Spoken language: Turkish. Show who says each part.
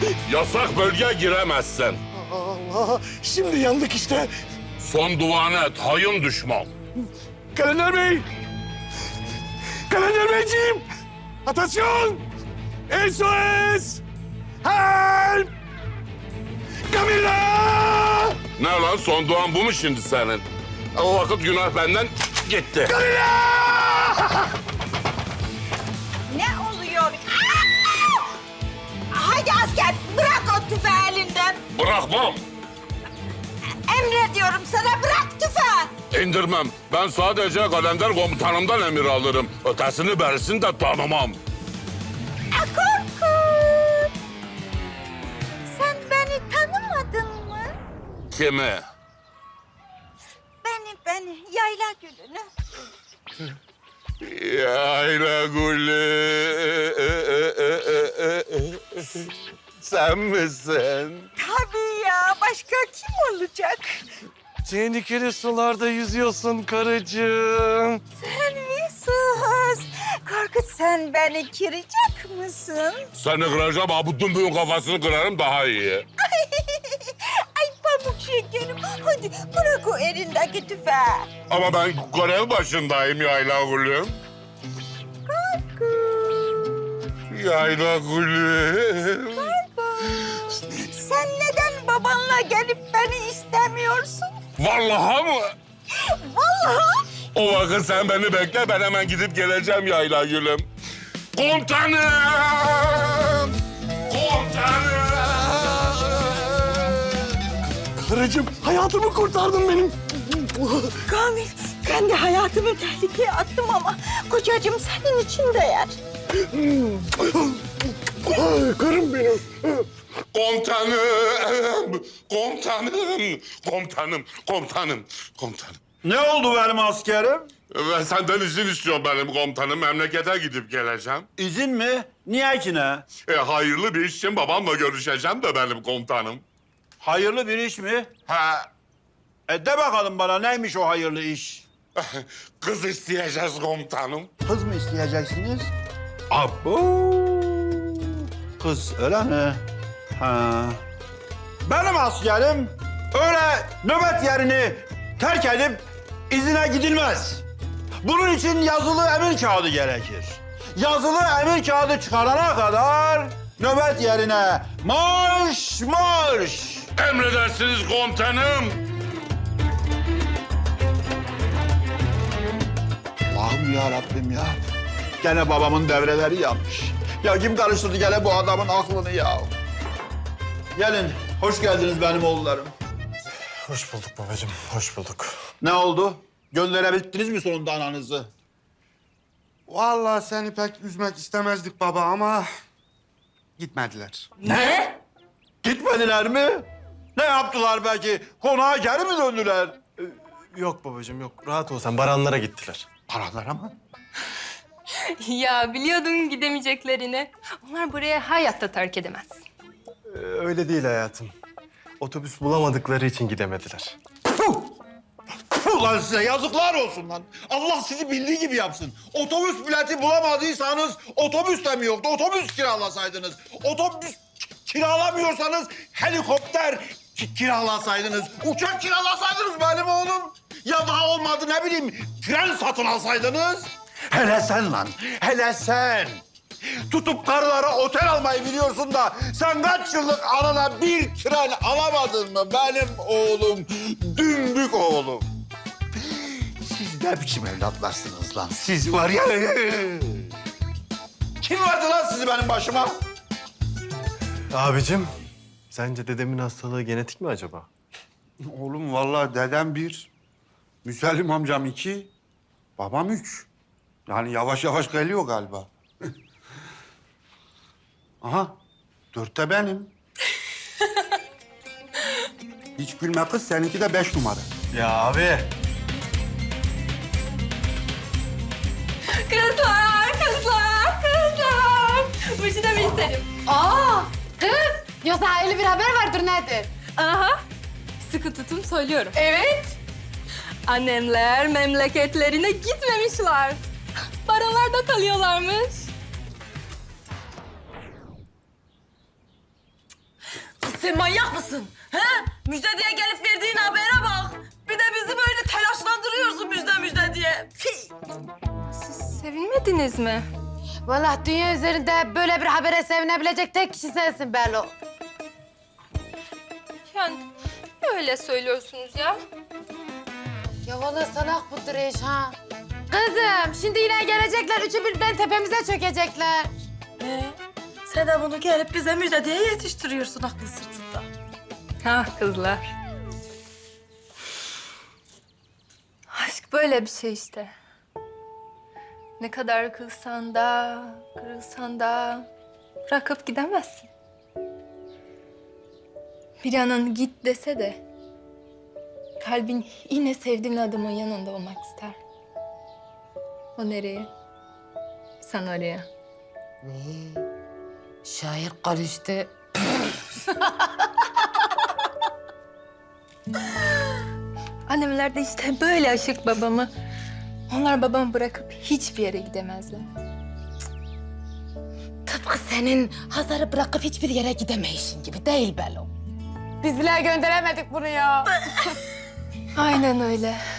Speaker 1: Yasak bölge giremezsin.
Speaker 2: Allah, şimdi yandık işte.
Speaker 1: Son duanı et, hayın düşman.
Speaker 2: Kalender Bey! Kalender Beyciğim! Atasyon! SOS! Help! Camilla!
Speaker 1: Ne lan, son duan bu mu şimdi senin? O vakit günah benden gitti.
Speaker 2: Camilla!
Speaker 3: Ne oluyor? Aa! Haydi asker, bırak o tüfeği elinden.
Speaker 1: Bırakmam,
Speaker 3: Emrediyorum sana, bırak tüfeği.
Speaker 1: indirmem. Ben sadece kalender komutanımdan emir alırım. Ötesini berisini de tanımam.
Speaker 3: Korkut! Sen beni tanımadın mı?
Speaker 1: Kimi?
Speaker 3: Beni, yayla gülünü.
Speaker 1: Yayla gülü. Sen misin?
Speaker 3: Tabii ya, başka kim olacak?
Speaker 2: Tehlikeli sularda yüzüyorsun karıcığım.
Speaker 3: Sen mi sus? Korkut, sen beni kıracak mısın?
Speaker 1: Seni kıracağım, ha bu dümbüğün kafasını kırarım daha iyi.
Speaker 3: Ay pamuk şekerim, hadi bırak o elindeki tüfeği.
Speaker 1: Ama ben görev başındayım Yayla gülüm. Yayla gülüm.
Speaker 3: Sen neden babanla gelip beni istemiyorsun?
Speaker 1: Vallahi mı?
Speaker 3: Vallahi.
Speaker 1: O vakit sen beni bekle, ben hemen gidip geleceğim Yayla gülüm. Komutanım! Komutanım!
Speaker 2: Karıcığım, hayatımı kurtardın benim.
Speaker 3: Kamil, ben de hayatımı tehlikeye attım ama kocacığım senin için değer.
Speaker 2: Ay, karım benim.
Speaker 1: Komutanım! Komutanım! Komutanım! Komutanım! Komutanım!
Speaker 4: Ne oldu benim askerim?
Speaker 1: Ben senden izin istiyorum benim komutanım. Memlekete gidip geleceğim.
Speaker 4: İzin mi? Niye ki ne?
Speaker 1: Hayırlı bir iş için babamla görüşeceğim de benim komutanım.
Speaker 4: Hayırlı bir iş mi?
Speaker 1: Ha,
Speaker 4: De bakalım bana neymiş o hayırlı iş?
Speaker 1: kız isteyeceğiz komutanım.
Speaker 4: Kız mı isteyeceksiniz? Abo! Kız öyle mi? Ha. Benim askerim öyle nöbet yerini terk edip izine gidilmez. Bunun için yazılı emir kağıdı gerekir. Yazılı emir kağıdı çıkarana kadar nöbet yerine marş marş.
Speaker 1: Emredersiniz komutanım.
Speaker 4: Allah'ım ya Rabbim ya. Gene babamın devreleri yanmış. Ya kim karıştırdı gene bu adamın aklını ya? Gelin, hoş geldiniz benim oğullarım.
Speaker 2: Hoş bulduk babacığım, hoş bulduk.
Speaker 4: Ne oldu? Gönderebildiniz mi sonunda ananızı?
Speaker 5: Vallahi seni pek üzmek istemezdik baba ama gitmediler.
Speaker 4: Ne? Gitmediler mi? Ne yaptılar belki? Konağa geri mi döndüler?
Speaker 2: Yok babacığım, yok. Rahat ol sen, Baranlara gittiler.
Speaker 4: Paralara mı?
Speaker 6: Ya biliyordum gidemeyeceklerini. Onlar buraya hayatta terk edemez.
Speaker 2: Öyle değil hayatım. Otobüs bulamadıkları için gidemediler.
Speaker 4: Puh! Puh lan size yazıklar olsun lan. Allah sizi bildiği gibi yapsın. Otobüs bileti bulamadıysanız otobüs de mi yoktu? Otobüs kiralasaydınız. Otobüs kiralamıyorsanız helikopter kiralasaydınız. Uçak kiralasaydınız benim oğlum. Ya daha olmadı ne bileyim tren satın alsaydınız. Hele sen lan, hele sen. Tutup karılara otel almayı biliyorsun da sen kaç yıllık anana bir tren alamadın mı benim oğlum, dümbük oğlum? Siz ne biçim evlatlarsınız lan? Siz var ya... Kim verdi lan sizi benim başıma?
Speaker 2: Abicim, sence dedemin hastalığı genetik mi acaba?
Speaker 5: Oğlum vallahi dedem bir, Müsellim amcam iki, babam üç. Yani yavaş yavaş geliyor galiba. Aha, dörtte benim. Hiç gülme kız, seninki de 5 numara.
Speaker 2: Ya abi.
Speaker 6: Kızlar, kızlar, kızlar. Bu işi de mi isterim?
Speaker 7: Aa, kız. Yoksa öyle bir haber vardır nedir?
Speaker 6: Aha. Sıkı tutun söylüyorum. Evet. Annemler memleketlerine gitmemişler. Baranlarda kalıyorlarmış. Sen manyak mısın? He? Müjde diye gelip verdiğin habere bak. Bir de bizi böyle telaşlandırıyorsun müjde diye.
Speaker 7: Siz sevinmediniz mi? Vallahi dünya üzerinde böyle bir habere sevinebilecek tek kişi sensin Belo.
Speaker 6: Yani öyle söylüyorsunuz ya.
Speaker 7: Ya vallahi salak budur iş ha. Kızım şimdi yine gelecekler, üçü birden tepemize çökecekler.
Speaker 6: Sen de bunu gelip bize müjde diye yetiştiriyorsun aklı sırtında.
Speaker 8: Ha kızlar. Aşk böyle bir şey işte. Ne kadar kızsan da, kırılsan da bırakıp gidemezsin. Bir yanın git dese de kalbin yine sevdiğin adamın yanında olmak ister. O nereye? Sen oraya.
Speaker 7: Şair karıştı.
Speaker 8: Annemler de işte böyle aşık babamı. Onlar babamı bırakıp hiçbir yere gidemezler.
Speaker 7: Tıpkı senin Hazar'ı bırakıp hiçbir yere gidemeyişin gibi değil Belo. Biz bile gönderemedik bunu ya.
Speaker 8: Aynen öyle.